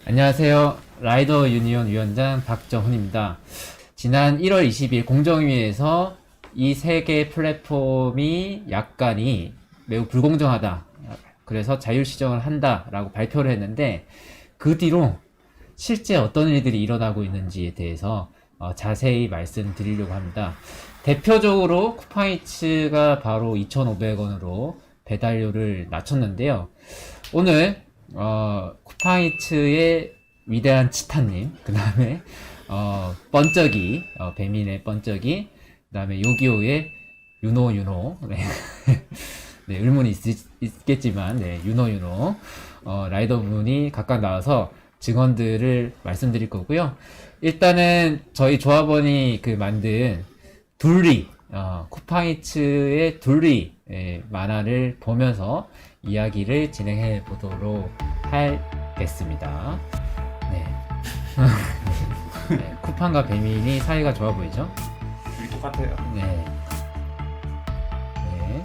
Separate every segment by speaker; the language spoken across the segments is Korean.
Speaker 1: 안녕하세요. 라이더 유니온 위원장 박정훈입니다. 지난 1월 20일 공정위에서 이 세 개 플랫폼이 약간이 매우 불공정하다. 그래서 자율시정을 한다라고 발표를 했는데 그 뒤로 실제 어떤 일들이 일어나고 있는지에 대해서 자세히 말씀드리려고 합니다. 대표적으로 쿠팡이츠가 바로 2,500원으로 배달료를 낮췄는데요. 오늘 쿠팡이츠의 위대한 치타님, 그 다음에 번쩍이, 배민의 번쩍이, 그 다음에 요기요의 유노 네. 네, 의문이 있겠지만 네, 유노 라이더분이 각각 나와서 증언들을 말씀드릴 거고요. 일단은 저희 조합원이 만든 둘리, 쿠팡이츠의 둘리 만화를 보면서 이야기를 진행해 보도록 하겠습니다. 네. 네, 쿠팡과 배민이 사이가 좋아 보이죠?
Speaker 2: 둘이 똑같아요.
Speaker 1: 네. 네.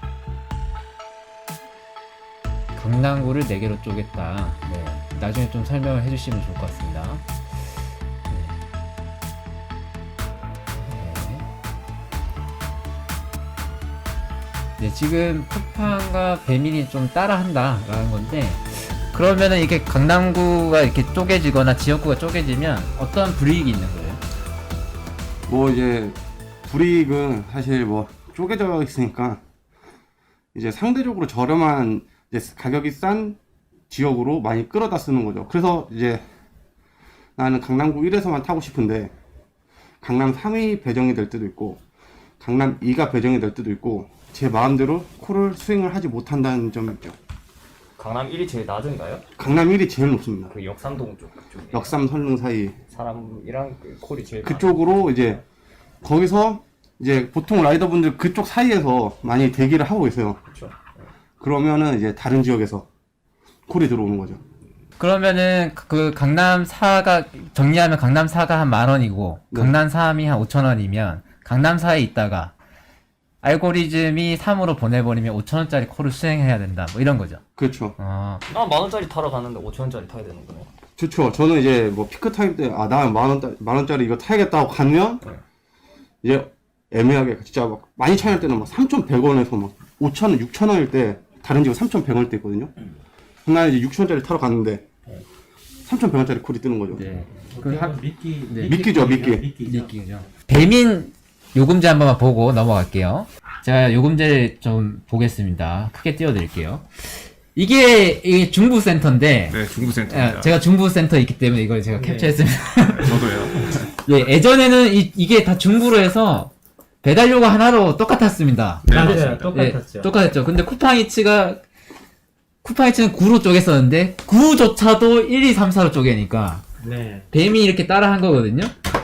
Speaker 1: 강남구를 4개로 쪼갰다. 네. 나중에 좀 설명을 해주시면 좋을 것 같습니다. 네, 지금 쿠팡과 배민이 좀 따라한다라는 건데, 그러면은 이렇게 강남구가 이렇게 쪼개지거나 지역구가 쪼개지면 어떤 불이익이 있는 거예요?
Speaker 3: 뭐 이제 불이익은 사실 뭐 쪼개져 있으니까 이제 상대적으로 저렴한 이제 가격이 싼 지역으로 많이 끌어다 쓰는 거죠. 그래서 이제 나는 강남구 1에서만 타고 싶은데 강남 3이 배정이 될 때도 있고 강남 2가 배정이 될 때도 있고 제 마음대로 콜을 수행을 하지 못한다는 점이 있죠.
Speaker 2: 강남 1이 제일 낮은가요?
Speaker 3: 강남 1이 제일 높습니다.
Speaker 2: 그 역삼동 쪽에
Speaker 3: 역삼 설릉 사이
Speaker 2: 사람이랑 그 콜이 제일
Speaker 3: 그쪽으로 이제 거기서 이제 보통 라이더분들 그쪽 사이에서 많이 대기를 하고 있어요.
Speaker 2: 그렇죠.
Speaker 3: 그러면은 이제 다른 지역에서 콜이 들어오는 거죠.
Speaker 1: 그러면은 그 강남 4가 정리하면 강남 4가 한 10,000원이고
Speaker 3: 네.
Speaker 1: 강남 3이 한 5,000원이면 강남 4에 있다가 알고리즘이 3으로 보내버리면 5,000원짜리 콜을 수행해야 된다. 뭐 이런 거죠.
Speaker 3: 그렇죠.
Speaker 2: 나 10,000원짜리 타러 가는데 5,000원짜리 타야 되는 거네.
Speaker 3: 좋죠. 저는 이제 뭐 피크 타임 때 나 만 원짜리 이거 타야겠다고 가면
Speaker 2: 네.
Speaker 3: 이제 애매하게 진짜 막 많이 차이 날 때는 막 3,100원에서 막 5,000원, 6,000원일 때 다른 지역 3,100원일 때 있거든요. 나는 이제 6,000원짜리 타러 갔는데 3,100원짜리 콜이 뜨는 거죠.
Speaker 1: 네.
Speaker 3: 미끼죠, 미끼.
Speaker 1: 미끼죠. 배민 요금제 한 번만 보고 넘어갈게요. 제가 요금제를 좀 보겠습니다. 크게 띄워드릴게요. 이게 중부센터인데,
Speaker 2: 네, 중부센터입니다.
Speaker 1: 제가 중부센터에 있기 때문에 이걸 제가 캡처했습니다.
Speaker 2: 저도요.
Speaker 1: 예, 예전에는 이게 다 중부로 해서 배달료가 하나로 똑같았습니다.
Speaker 2: 네,
Speaker 4: 맞아요.
Speaker 2: 맞습니다.
Speaker 4: 똑같았죠.
Speaker 1: 예, 똑같았죠. 근데 쿠팡이츠는 9로 쪼갰었는데 9조차도 1, 2, 3, 4로 쪼개니까
Speaker 4: 네.
Speaker 1: 뱀이 이렇게 따라 한 거거든요.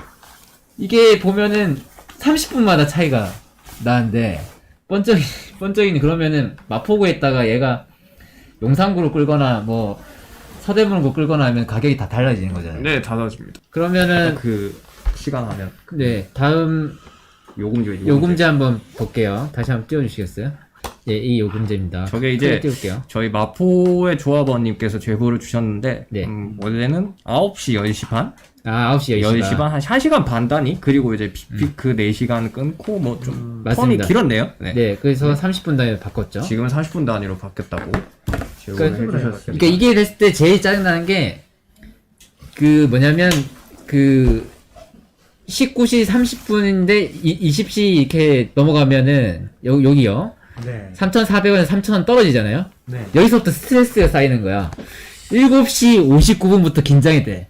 Speaker 1: 이게 보면은 30분마다 차이가 나는데 번쩍이는 그러면은 마포구에 있다가 얘가 용산구로 끌거나 뭐 서대문구 끌거나 하면 가격이 다 달라지는 거잖아요.
Speaker 2: 네, 달라집니다.
Speaker 1: 그러면은
Speaker 2: 그 시간 하면
Speaker 1: 네, 다음 요금제 한번 볼게요. 다시 한번 띄워주시겠어요? 예, 이 요금제입니다.
Speaker 2: 저게 이제
Speaker 1: 크게 띄울게요.
Speaker 2: 저희 마포의 조합원님께서 제보를 주셨는데
Speaker 1: 네.
Speaker 2: 원래는 9시 10시 반?
Speaker 1: 9시,
Speaker 2: 10시 반? 한 1시간 반 단위? 그리고 이제 빅피크 4시간 끊고 뭐 좀 텀이
Speaker 1: 맞습니다.
Speaker 2: 길었네요. 네.
Speaker 1: 네, 그래서 30분 단위로 바꿨죠.
Speaker 2: 지금은 40분 단위로 바뀌었다고 제보를 해주셨습니다.
Speaker 1: 그러니까 이게 됐을 때 제일 짜증나는 게 뭐냐면 19시 30분인데 20시 이렇게 넘어가면은 여기요.
Speaker 4: 네.
Speaker 1: 3,400원에서 3,000원 떨어지잖아요.
Speaker 4: 네.
Speaker 1: 여기서부터 스트레스가 쌓이는 거야. 7시 59분부터 긴장이 돼.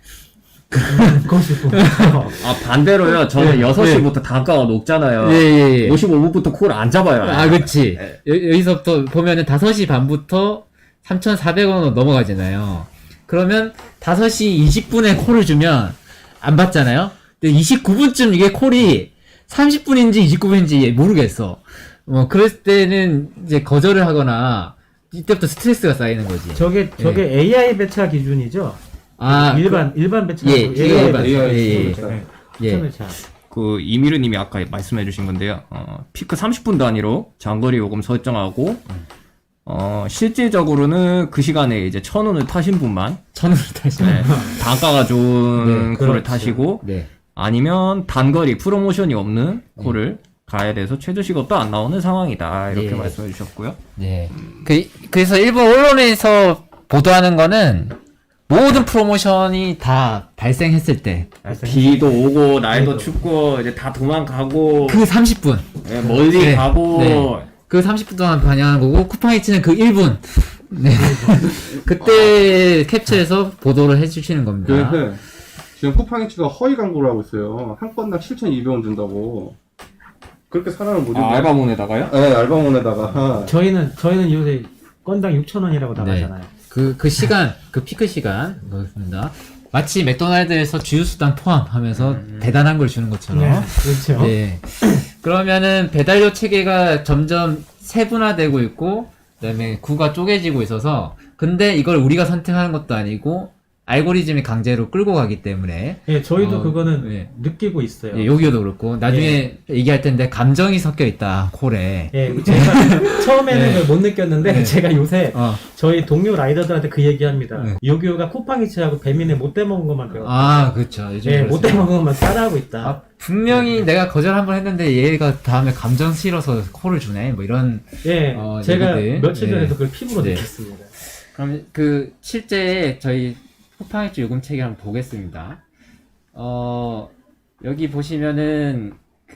Speaker 2: 아 반대로요. 저는 6시부터 단가가 높잖아요.
Speaker 1: 예.
Speaker 2: 55분부터 콜을 안 잡아요.
Speaker 1: 아, 그치. 여기서부터 보면은 5시 반부터 3,400원으로 넘어가잖아요. 그러면 5시 20분에 콜을 주면 안 받잖아요? 근데 29분쯤 이게 콜이 30분인지 29분인지 모르겠어. 그럴 때는 이제 거절을 하거나 이때부터 스트레스가 쌓이는 거지.
Speaker 4: 저게 AI 배차 기준이죠? 일반 배차.
Speaker 1: 예, 일반. 예.
Speaker 4: 추천배차.
Speaker 2: 그 이미르님이 아까 말씀해주신 건데요. 피크 30분 단위로 장거리 요금 설정하고 실질적으로는 그 시간에 이제 1,000원을 타신 분만
Speaker 1: 천원을 타시네.
Speaker 2: 단가가 좋은
Speaker 1: 네,
Speaker 2: 코를
Speaker 4: 그렇죠.
Speaker 2: 타시고
Speaker 1: 네.
Speaker 2: 아니면 단거리 프로모션이 없는 코를 가야 돼서 최저시급도 안 나오는 상황이다 이렇게
Speaker 1: 네.
Speaker 2: 말씀해 주셨고요.
Speaker 1: 네. 그래서 일본 언론에서 보도하는 거는 모든 프로모션이 다 발생했을 때
Speaker 2: 비도 오고 날도 춥고 이제 다 도망가고
Speaker 1: 그 30분
Speaker 2: 예, 멀리
Speaker 1: 네.
Speaker 2: 가고
Speaker 1: 네. 그 30분 동안 반영한 거고 쿠팡이츠는 그 1분 네. 그때 캡처해서 보도를 해주시는 겁니다.
Speaker 3: 그래서 지금 쿠팡이츠가 허위 광고를 하고 있어요. 한 건당 7,200원 준다고. 그렇게 사람을 못
Speaker 2: 알바몬에다가요?
Speaker 3: 네, 알바몬에다가.
Speaker 4: 저희는 요새 건당 6,000원이라고 나가잖아요.
Speaker 1: 그 시간, 그 피크 시간, 그렇습니다. 마치 맥도날드에서 주유수단 포함하면서 대단한 걸 주는 것처럼.
Speaker 4: 네, 그렇죠.
Speaker 1: 네. 그러면은 배달료 체계가 점점 세분화되고 있고, 그 다음에 구가 쪼개지고 있어서, 근데 이걸 우리가 선택하는 것도 아니고, 알고리즘이 강제로 끌고 가기 때문에.
Speaker 4: 예, 저희도 그거는
Speaker 1: 예.
Speaker 4: 느끼고 있어요.
Speaker 1: 예, 여기도 그렇고, 나중에 얘기할 텐데, 감정이 섞여 있다, 콜에.
Speaker 4: 예, 제가 처음에는
Speaker 1: 네.
Speaker 4: 그걸 못 느꼈는데
Speaker 1: 네.
Speaker 4: 제가 요새
Speaker 1: 어.
Speaker 4: 저희 동료 라이더들한테 그 얘기합니다.
Speaker 1: 네.
Speaker 4: 요기요가 쿠팡이츠하고 배민에 못 대먹은 것만 배워.
Speaker 1: 아, 그렇죠. 요즘
Speaker 4: 예, 못
Speaker 1: 그렇습니다.
Speaker 4: 대먹은 것만 따라하고 있다.
Speaker 1: 아, 분명히 내가 거절 한번 했는데 얘가 다음에 감정 실어서 콜을 주네. 뭐 이런.
Speaker 4: 예, 제가
Speaker 1: 얘기들.
Speaker 4: 며칠 전에도
Speaker 1: 네.
Speaker 4: 그걸 피부로
Speaker 1: 네.
Speaker 4: 느꼈습니다.
Speaker 1: 그럼 실제 저희 쿠팡이츠 요금 체계 한번 보겠습니다. 여기 보시면은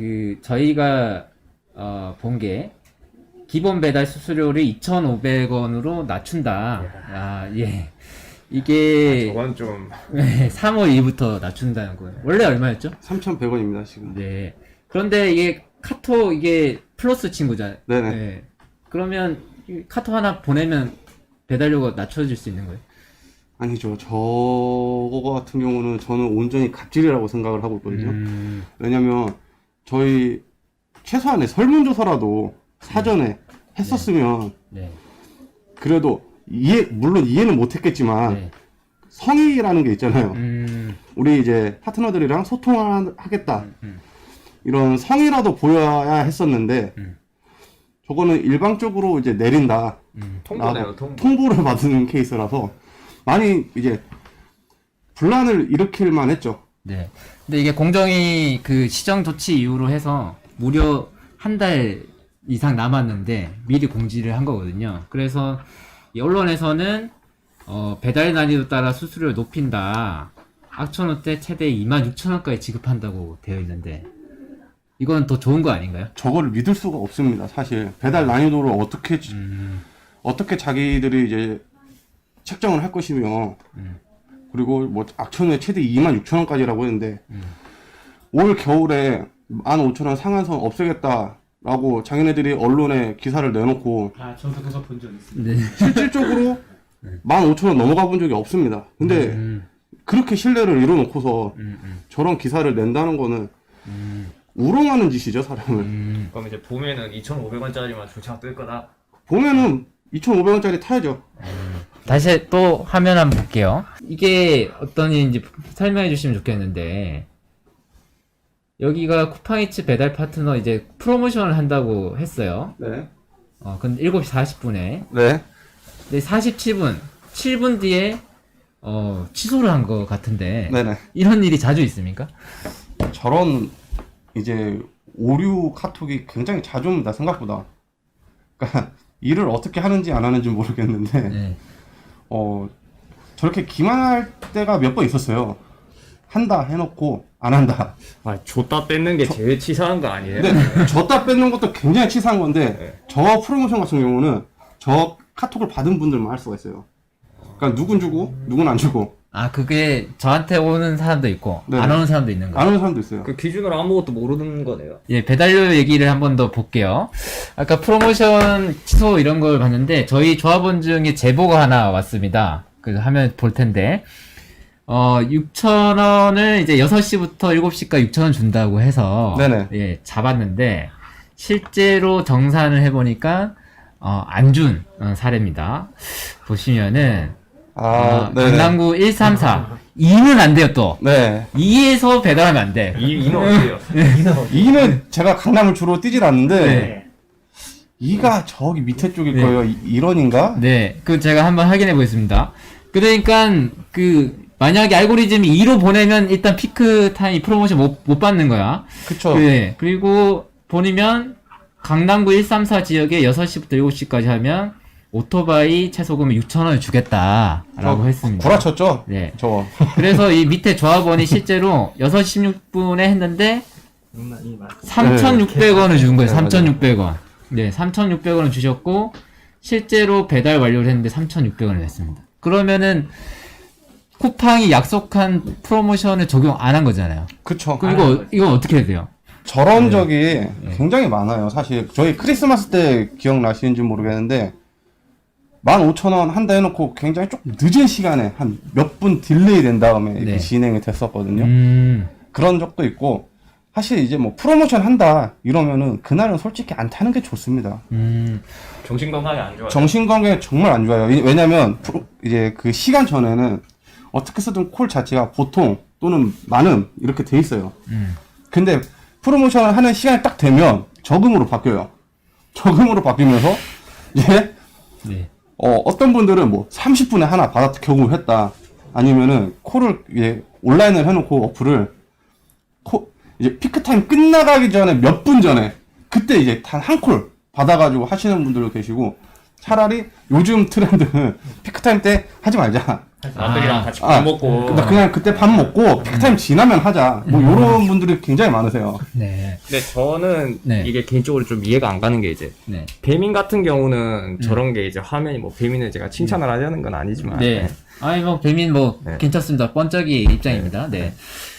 Speaker 1: 저희가 본 게 기본 배달 수수료를 2,500원으로 낮춘다. 아, 예. 이게
Speaker 2: 저건 좀
Speaker 1: 3월 2일부터 낮춘다는 거예요. 원래 얼마였죠?
Speaker 3: 3,100원입니다, 지금.
Speaker 1: 네. 그런데 이게 카톡 이게 플러스 친구잖아요.
Speaker 3: 네네.
Speaker 1: 네. 그러면 이 카톡 하나 보내면 배달료가 낮춰질 수 있는 거예요?
Speaker 3: 아니죠. 저거 같은 경우는 저는 온전히 갑질이라고 생각을 하고 있거든요. 왜냐면 저희 최소한의 설문조사라도 사전에 했었으면
Speaker 1: 네.
Speaker 3: 그래도 물론 이해는 못했겠지만
Speaker 1: 네.
Speaker 3: 성의라는 게 있잖아요. 우리 이제 파트너들이랑 소통하겠다. 이런 성의라도 보여야 했었는데 저거는 일방적으로 이제 내린다.
Speaker 2: 통보네요, 통보.
Speaker 3: 통보를 받는 케이스라서 많이 이제 분란을 일으킬 만했죠.
Speaker 1: 네. 근데 이게 공정위 그 시정 조치 이후로 해서 무려 한 달 이상 남았는데 미리 공지를 한 거거든요. 그래서 이 언론에서는 배달 난이도 따라 수수료를 높인다. 악천후 때 최대 26,000원까지 지급한다고 되어 있는데 이건 더 좋은 거 아닌가요?
Speaker 3: 저거를 믿을 수가 없습니다. 사실 배달 난이도를 어떻게 자기들이 이제 책정을 할 것이며 그리고 뭐 악천후에 최대 26,000원까지라고 했는데 올 겨울에 15,000원 상한선 없애겠다라고 자기네들이 언론에 기사를 내놓고
Speaker 4: 아, 저도 그거 본 적 있습니다.
Speaker 1: 네.
Speaker 3: 실질적으로 15,000원 넘어가 본 적이 없습니다. 근데 그렇게 신뢰를 이뤄놓고서 저런 기사를 낸다는 거는 우롱하는 짓이죠, 사람을.
Speaker 2: 그럼 이제 봄에는 2,500원짜리만 주차 뜰 거다.
Speaker 3: 보면은 2,500원짜리 타야죠.
Speaker 1: 다시 또 화면 한번 볼게요. 이게 어떤 일인지 설명해 주시면 좋겠는데 여기가 쿠팡이츠 배달 파트너 이제 프로모션을 한다고 했어요.
Speaker 3: 네.
Speaker 1: 근데 7시 40분에
Speaker 3: 네.
Speaker 1: 근데 47분 7분 뒤에 취소를 한 것 같은데
Speaker 3: 네네.
Speaker 1: 이런 일이 자주 있습니까?
Speaker 3: 저런 이제 오류 카톡이 굉장히 자주 옵니다, 생각보다. 그러니까 일을 어떻게 하는지 안 하는지 모르겠는데
Speaker 1: 네.
Speaker 3: 저렇게 기만할 때가 몇 번 있었어요. 한다 해놓고 안 한다.
Speaker 2: 아, 줬다 뺏는 게 제일 치사한 거 아니에요?
Speaker 3: 근데 줬다 뺏는 것도 굉장히 치사한 건데 저 프로모션 같은 경우는 저 카톡을 받은 분들만 할 수가 있어요. 그러니까 누군 주고 누군 안 주고
Speaker 1: 아 그게 저한테 오는 사람도 있고
Speaker 3: 네.
Speaker 1: 안 오는 사람도 있는 거예요.
Speaker 3: 안 오는 사람도 있어요.
Speaker 2: 그 기준으로 아무것도 모르는 거네요.
Speaker 1: 예, 배달료 얘기를 한 번 더 볼게요. 아까 프로모션 취소 이런 걸 봤는데 저희 조합원 중에 제보가 하나 왔습니다. 그 화면 볼 텐데 6,000원을 이제 6시부터 7시까지 6,000원 준다고 해서
Speaker 3: 네네.
Speaker 1: 예, 잡았는데 실제로 정산을 해보니까 안 준 사례입니다. 보시면은
Speaker 3: 네네.
Speaker 1: 강남구 134 2는 안 돼요 또.
Speaker 3: 네.
Speaker 1: 2에서 배달하면 안 돼.
Speaker 2: 이는 어때요?
Speaker 3: 이는 제가 강남을 주로 뛰질 않는데
Speaker 1: 네.
Speaker 3: 2가 저기 밑에 쪽일
Speaker 1: 네.
Speaker 3: 거예요. 1원인가?
Speaker 1: 네, 그 제가 한번 확인해 보겠습니다. 그러니까 그 만약에 알고리즘이 2로 보내면 일단 피크 타임 프로모션 못 받는 거야.
Speaker 3: 그쵸.
Speaker 1: 네, 그리고 보내면 강남구 134 지역에 6시부터 7시까지 하면 오토바이 최소금 6,000원을 주겠다라고 했습니다.
Speaker 3: 구라쳤죠?
Speaker 1: 네.
Speaker 3: 저.
Speaker 1: 그래서 이 밑에 조합원이 실제로 6시 16분에 했는데 3,600원을 준 거예요.
Speaker 3: 네, 맞아요.
Speaker 1: 3,600원. 네, 3,600원을 주셨고 실제로 배달 완료를 했는데 3,600원을 냈습니다. 그러면은 쿠팡이 약속한 프로모션을 적용 안 한 거잖아요.
Speaker 3: 그쵸.
Speaker 1: 그럼 이건 어떻게 해야 돼요?
Speaker 3: 저런 적이 굉장히 많아요. 사실 저희 크리스마스 때 기억나시는지 모르겠는데 15,000원 한다 해놓고 굉장히 조금 늦은 시간에 한 몇 분 딜레이 된 다음에 이렇게
Speaker 1: 네.
Speaker 3: 진행이 됐었거든요. 그런 적도 있고 사실 이제 뭐 프로모션 한다 이러면은 그날은 솔직히 안 타는 게 좋습니다.
Speaker 2: 정신건강에 안 좋아요.
Speaker 3: 정신건강에 정말 안 좋아요. 왜냐면 이제 그 시간 전에는 어떻게 쓰든 콜 자체가 보통 또는 많음 이렇게 돼 있어요. 근데 프로모션을 하는 시간이 딱 되면 저금으로 바뀌어요. 저금으로 바뀌면서 이제
Speaker 1: 네.
Speaker 3: 어떤 분들은 뭐 30분에 하나 받아 경험을 했다. 아니면은 콜을 이제 온라인을 해놓고 어플을 이제 피크타임 끝나가기 전에 몇 분 전에 그때 이제 단 한 콜 받아가지고 하시는 분들도 계시고 차라리 요즘 트렌드는 피크타임 때 하지 말자.
Speaker 2: 남들이랑 같이 밥 먹고.
Speaker 3: 나 그냥 그때 밥 먹고 피크타임 지나면 하자. 뭐 요런 분들이 굉장히 많으세요.
Speaker 1: 네.
Speaker 2: 근데 저는
Speaker 1: 네.
Speaker 2: 이게 개인적으로 좀 이해가 안 가는 게 이제
Speaker 1: 네.
Speaker 2: 배민 같은 경우는 저런 게 이제 화면이 뭐 배민을 제가 칭찬을 하려는 건 아니지만
Speaker 1: 네. 아니 뭐 배민 뭐
Speaker 2: 네.
Speaker 1: 괜찮습니다. 번쩍이 입장입니다. 네.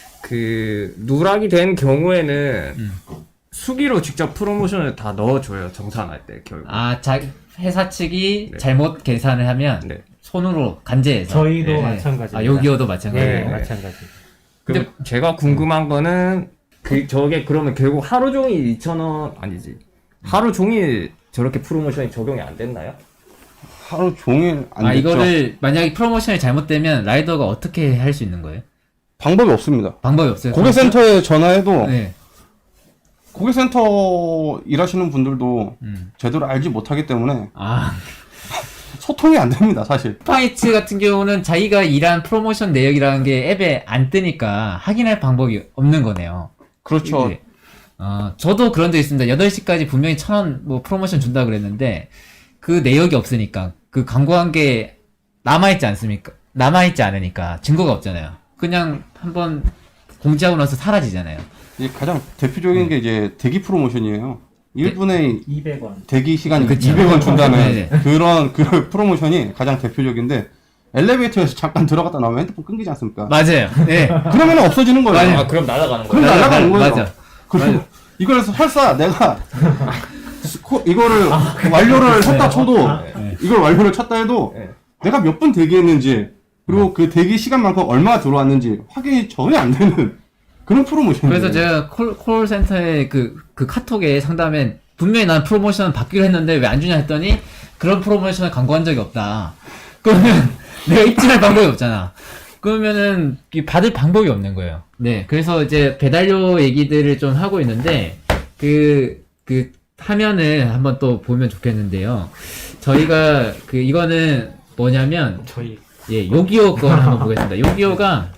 Speaker 2: 그 누락이 된 경우에는 수기로 직접 프로모션을 다 넣어줘요. 정산할 때 결국.
Speaker 1: 회사 측이
Speaker 2: 네.
Speaker 1: 잘못 계산을 하면
Speaker 2: 네.
Speaker 1: 손으로 간제해서.
Speaker 4: 저희도
Speaker 1: 네.
Speaker 4: 마찬가지입니다.
Speaker 1: 요기요도 마찬가지.
Speaker 4: 네,
Speaker 2: 네.
Speaker 4: 마찬가지.
Speaker 2: 근데 제가 궁금한 거는 저게 그러면 결국 하루 종일 2,000원 아니지. 하루 종일 저렇게 프로모션이 적용이 안 됐나요?
Speaker 3: 하루 종일 안 됐죠.
Speaker 1: 이거를 만약에 프로모션이 잘못되면 라이더가 어떻게 할 수 있는 거예요?
Speaker 3: 방법이 없습니다.
Speaker 1: 방법이 없어요.
Speaker 3: 고객센터에 전화해도
Speaker 1: 네.
Speaker 3: 고객센터 일하시는 분들도 제대로 알지 못하기 때문에 소통이 안 됩니다, 사실.
Speaker 1: 쿠팡이츠 같은 경우는 자기가 일한 프로모션 내역이라는 게 앱에 안 뜨니까 확인할 방법이 없는 거네요.
Speaker 3: 그렇죠.
Speaker 1: 이게, 저도 그런 적 있습니다. 8시까지 분명히 1,000원 뭐 프로모션 준다 그랬는데 그 내역이 없으니까 그 광고한 게 남아있지 않습니까? 남아있지 않으니까 증거가 없잖아요. 그냥 한번 공지하고 나서 사라지잖아요.
Speaker 3: 이제 가장 대표적인 게 이제 대기 프로모션이에요. 1분의
Speaker 4: 200원.
Speaker 3: 대기 시간이
Speaker 1: 그쵸.
Speaker 3: 200원 준다는
Speaker 1: 네네.
Speaker 3: 그런 그 프로모션이 가장 대표적인데 엘리베이터에서 잠깐 들어갔다 나오면 핸드폰 끊기지 않습니까?
Speaker 1: 맞아요. 네.
Speaker 3: 그러면 없어지는 거예요.
Speaker 1: 맞아요.
Speaker 2: 아 그럼 날아가는
Speaker 3: 그럼
Speaker 2: 거예요?
Speaker 3: 날아가는 거예요.
Speaker 1: 맞아.
Speaker 3: 그리고 이걸 설사 내가 이거를 완료를 했다 쳐도 이걸 완료를 쳤다 해도
Speaker 2: 네.
Speaker 3: 내가 몇 분 대기했는지 그리고 그 대기 시간만큼 얼마 들어왔는지 확인이 전혀 안 되는 그런 프로모션이에요.
Speaker 1: 그래서 제가 콜센터에 그 카톡에 상담에 분명히 난 프로모션 받기로 했는데 왜 안 주냐 했더니 그런 프로모션을 광고한 적이 없다. 그러면 내가 입증할 방법이 없잖아. 그러면은 받을 방법이 없는 거예요. 네. 그래서 이제 배달료 얘기들을 좀 하고 있는데 그 화면을 한번 또 보면 좋겠는데요. 저희가 이거는 뭐냐면
Speaker 4: 저희
Speaker 1: 예, 요기요 거 한번 보겠습니다. 요기요가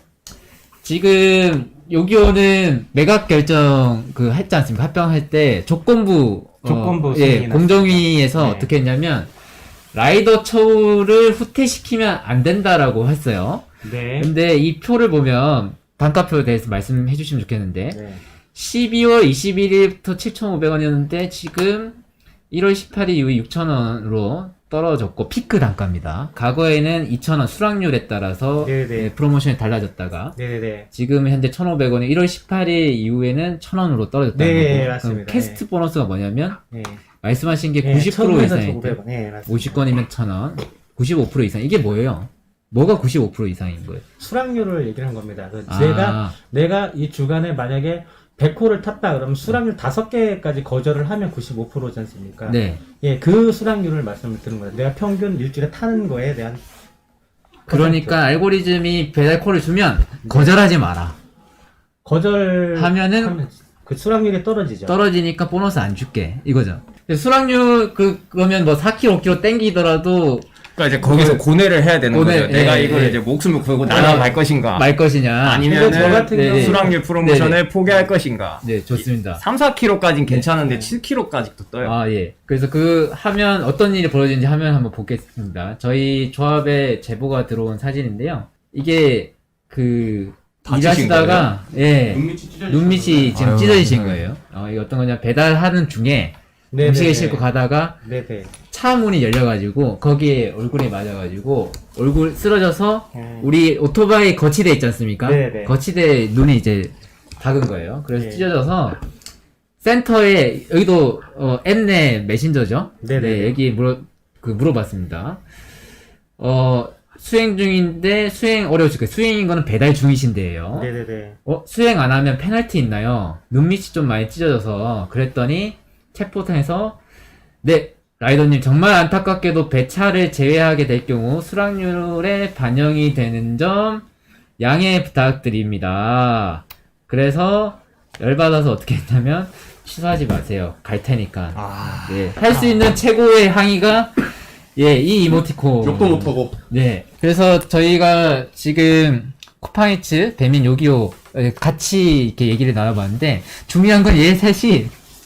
Speaker 1: 지금 요기요는 매각 결정 했지 않습니까? 합병할 때 조건부
Speaker 4: 조건부
Speaker 1: 예,
Speaker 4: 승인이
Speaker 1: 공정위에서
Speaker 4: 났습니다. 네.
Speaker 1: 어떻게 했냐면 라이더 처우를 후퇴시키면 안 된다라고 했어요.
Speaker 4: 네.
Speaker 1: 근데 이 표를 보면 단가표에 대해서 말씀해 주시면 좋겠는데
Speaker 4: 네.
Speaker 1: 12월 21일부터 7,500원이었는데 지금 1월 18일 이후에 6,000원으로 떨어졌고 피크 단가입니다. 과거에는 2,000원 수락률에 따라서
Speaker 4: 네네.
Speaker 1: 예, 프로모션이 달라졌다가
Speaker 4: 네네.
Speaker 1: 지금 현재 1,500원이 1월 18일 이후에는 1,000원으로 떨어졌다는
Speaker 4: 네,
Speaker 1: 거고
Speaker 4: 맞습니다.
Speaker 1: 그럼 캐스트 보너스가 뭐냐면
Speaker 4: 네.
Speaker 1: 말씀하신 게
Speaker 4: 네,
Speaker 1: 90%
Speaker 4: 1,000원에서
Speaker 1: 이상일 때
Speaker 4: 1,500원. 네, 맞습니다.
Speaker 1: 50건이면 1,000원 95% 이상 이게 뭐예요? 뭐가 95% 이상인 거예요?
Speaker 4: 수락률을 얘기를 한 겁니다.
Speaker 1: 아.
Speaker 4: 내가 이 주간에 만약에 100호를 탔다 그러면 수락률 5개까지 거절을 하면 95%지 않습니까?
Speaker 1: 네.
Speaker 4: 예, 그 수락률을 말씀을 드는 거예요. 내가 평균 일주일에 타는 거에 대한
Speaker 1: 그러니까 알고리즘이 배달콜을 주면 거절하지 마라.
Speaker 4: 거절하면
Speaker 1: 하면은
Speaker 4: 그 수락률이 떨어지죠.
Speaker 1: 떨어지니까 보너스 안 줄게 이거죠. 수락률 그러면 뭐 4kg, 5kg 땡기더라도
Speaker 2: 그러니까 이제 거기서 고뇌를 해야 되는
Speaker 1: 고뇌,
Speaker 2: 거죠. 내가
Speaker 1: 예,
Speaker 2: 이걸
Speaker 1: 예.
Speaker 2: 이제 목숨을 걸고 날아갈 것인가.
Speaker 1: 말 것이냐.
Speaker 2: 아니면
Speaker 4: 근데 저 같은 경우
Speaker 2: 수락률 프로모션을 포기할 것인가.
Speaker 1: 네, 좋습니다.
Speaker 2: 3, 4kg까지는 괜찮은데 7kg까지도 떠요.
Speaker 1: 아, 예. 그래서 하면 어떤 일이 벌어지는지 화면 한번 보겠습니다. 저희 조합에 제보가 들어온 사진인데요. 이게
Speaker 2: 다치신
Speaker 1: 일하시다가, 예. 눈밑이 지금
Speaker 2: 아유,
Speaker 1: 찢어지신
Speaker 2: 네.
Speaker 1: 거예요. 이게 어떤 거냐, 배달하는 중에
Speaker 4: 네네네.
Speaker 1: 음식을 싣고 가다가
Speaker 4: 네네.
Speaker 1: 차 문이 열려가지고 거기에 얼굴에 맞아가지고 얼굴 쓰러져서
Speaker 4: 음.
Speaker 1: 우리 오토바이 거치대 있지 않습니까?
Speaker 4: 네네.
Speaker 1: 거치대 눈이 이제 박은 거예요. 그래서
Speaker 4: 네.
Speaker 1: 찢어져서 센터에 여기도 엠네 메신저죠.
Speaker 4: 네네.
Speaker 1: 네, 여기 물어봤습니다. 수행 중인데 수행 어려우실 거예요. 수행인 거는 배달 중이신데요.
Speaker 4: 네네네.
Speaker 1: 수행 안 하면 페널티 있나요? 눈밑이 좀 많이 찢어져서 그랬더니 챗포트에서 네, 라이더님 정말 안타깝게도 배차를 제외하게 될 경우 수락률에 반영이 되는 점 양해 부탁드립니다. 그래서 열받아서 어떻게 했냐면 취소하지 마세요. 갈 테니까. 네, 할 수 있는 최고의 항의가 이 이모티콘.
Speaker 3: 욕도 못하고.
Speaker 1: 네. 그래서 저희가 지금 쿠팡이츠, 배민, 요기요 같이 이렇게 얘기를 나눠봤는데 중요한 건 얘 셋이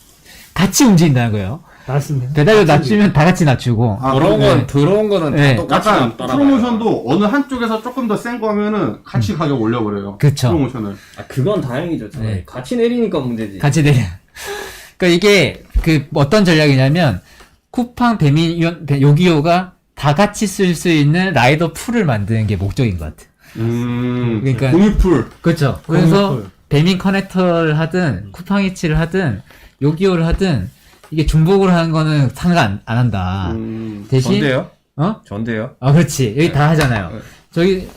Speaker 1: 같이 움직인다는 거예요.
Speaker 4: 맞습니다.
Speaker 1: 배달료 낮추면 다 같이 낮추고.
Speaker 2: 들어온 거는
Speaker 1: 네.
Speaker 2: 다 똑같이
Speaker 3: 약간
Speaker 2: 따라가요.
Speaker 3: 프로모션도 어느 한쪽에서 조금 더 센 거 하면은 같이 가격 올려버려요.
Speaker 1: 그쵸.
Speaker 3: 프로모션을.
Speaker 2: 그건 다행이죠.
Speaker 1: 네.
Speaker 2: 같이 내리니까 문제지.
Speaker 1: 같이 내려. 그러니까 이게 어떤 전략이냐면 쿠팡, 배민, 요기요가 다 같이 쓸 수 있는 라이더 풀을 만드는 게 목적인 것 같아. 그러니까
Speaker 3: 공유풀.
Speaker 1: 그렇죠. 그래서
Speaker 4: 공유풀.
Speaker 1: 배민 커넥터를 하든 쿠팡이츠를 하든 요기요를 하든 이게 중복을 하는 거는 상관 안 한다. 대신
Speaker 2: 전데요?
Speaker 1: 어?
Speaker 2: 전데요?
Speaker 1: 그렇지. 여기 다 하잖아요. 저기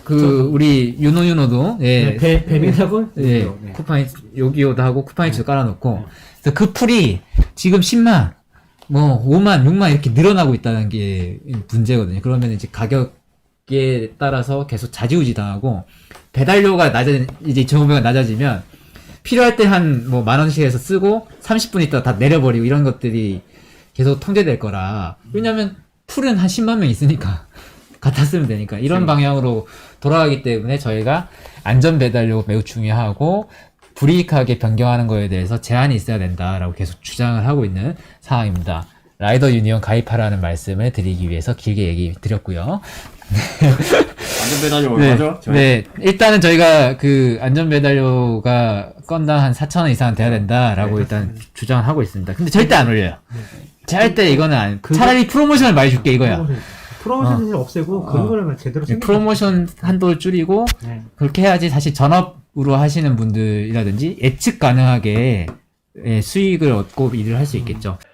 Speaker 1: 우리 유노도 예.
Speaker 4: 배민하고
Speaker 1: 예.
Speaker 4: 네.
Speaker 1: 쿠팡이츠 요기요도 하고 쿠팡이츠도 깔아놓고 그래서 그 풀이 지금 10만 뭐 5만 6만 이렇게 늘어나고 있다는 게 문제거든요. 그러면 이제 가격에 따라서 계속 좌지우지 당하고 배달료가 이제 2,500원 낮아지면 필요할 때 한 뭐 10,000원씩 해서 쓰고 30분 있다 다 내려버리고 이런 것들이 계속 통제될 거라. 왜냐면 풀은 한 10만 명 있으니까 갖다 쓰면 되니까 이런 방향으로 돌아가기 때문에 저희가 안전 배달료 매우 중요하고 불이익하게 변경하는 거에 대해서 제한이 있어야 된다라고 계속 주장을 하고 있는 상황입니다. 라이더 유니온 가입하라는 말씀을 드리기 위해서 길게 얘기 드렸고요.
Speaker 2: 안전배달료 얼마죠?
Speaker 1: 네, 일단은 저희가 안전배달료가 건당 한 4,000원 이상 돼야 된다라고 일단 주장을 하고 있습니다. 근데 절대 안 올려요. 절대 이거는 차라리 프로모션을 많이 줄게 이거야.
Speaker 4: 프로모션을 없애고 그런 거를 제대로 생각.
Speaker 1: 프로모션 한도를 줄이고
Speaker 4: 네.
Speaker 1: 그렇게 해야지 사실 전업으로 하시는 분들이라든지 예측 가능하게 수익을 얻고 일을 할 수 있겠죠.